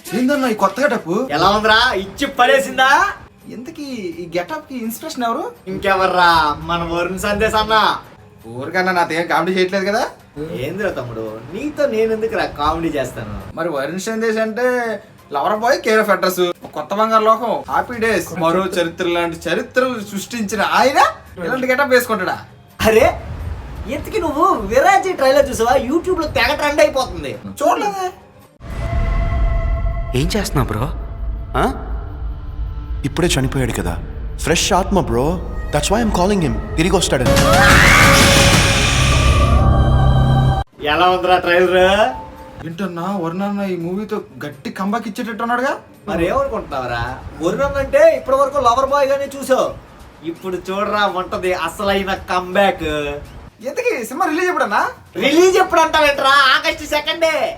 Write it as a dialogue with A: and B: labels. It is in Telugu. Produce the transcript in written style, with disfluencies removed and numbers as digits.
A: ఏందన్నా ఈ కొత్త గెటప్?
B: ఎలా ఉందిరా? ఇచ్చి పడేసిందా?
A: ఎందుకు ఈ గెటప్ కి ఇన్స్పిరేషన్ ఎవరు?
B: ఇంకెవర్రా, మన వరుణ్ సందేశ్ అన్న.
A: ఊరికన్నా నాతో ఏం కామెడీ చేయట్లేదు కదా.
B: ఏందిరా తమ్ముడు, నీతో నేను ఎందుకురా కామెడీ చేస్తాను?
A: మరి వరుణ్ సందేశ్ అంటే lover boy, care of address, Kotha Bangaru లోకం, హ్యాపీ డేస్, మరో చరిత్ర లాంటి చరిత్రలు సృష్టించిన ఆయన ఇలాంటి గెటప్ వేసుకుంటాడా?
B: అరే ఎందుకు నువ్వు విరాజీ ట్రైలర్ చూసావా? యూట్యూబ్ లో తెగ ట్రెండ్ అయిపోతుంది.
A: చూడలేదే.
C: ఏం చేస్తున్నావు బ్రో?
D: ఇప్పుడే చనిపోయాడు కదా, ఫ్రెష్ ఆత్మ bro. That's why I'm calling him. తిరిగి వస్తాడు.
B: ఎలా ఉందిరా ట్రైలర్?
A: ఏంటన్నా వరుణ్ ఈ మూవీతో గట్టి కంబాక్ ఇచ్చేటట్టున్నాడుగా.
B: మరి ఏమనుకుంటున్నావరా? వరుణ్ అంటే ఇప్పటి వరకు లవర్ బాయ్ గానే చూసావు, ఇప్పుడు చూడరా ఉంటది అసలైన కంబ్యాక్.
A: ఎందుకు సినిమా రిలీజ్ ఎప్పుడన్నా?
B: రిలీజ్ ఎప్పుడు అంటావేంట్రా? ఆగస్టు 2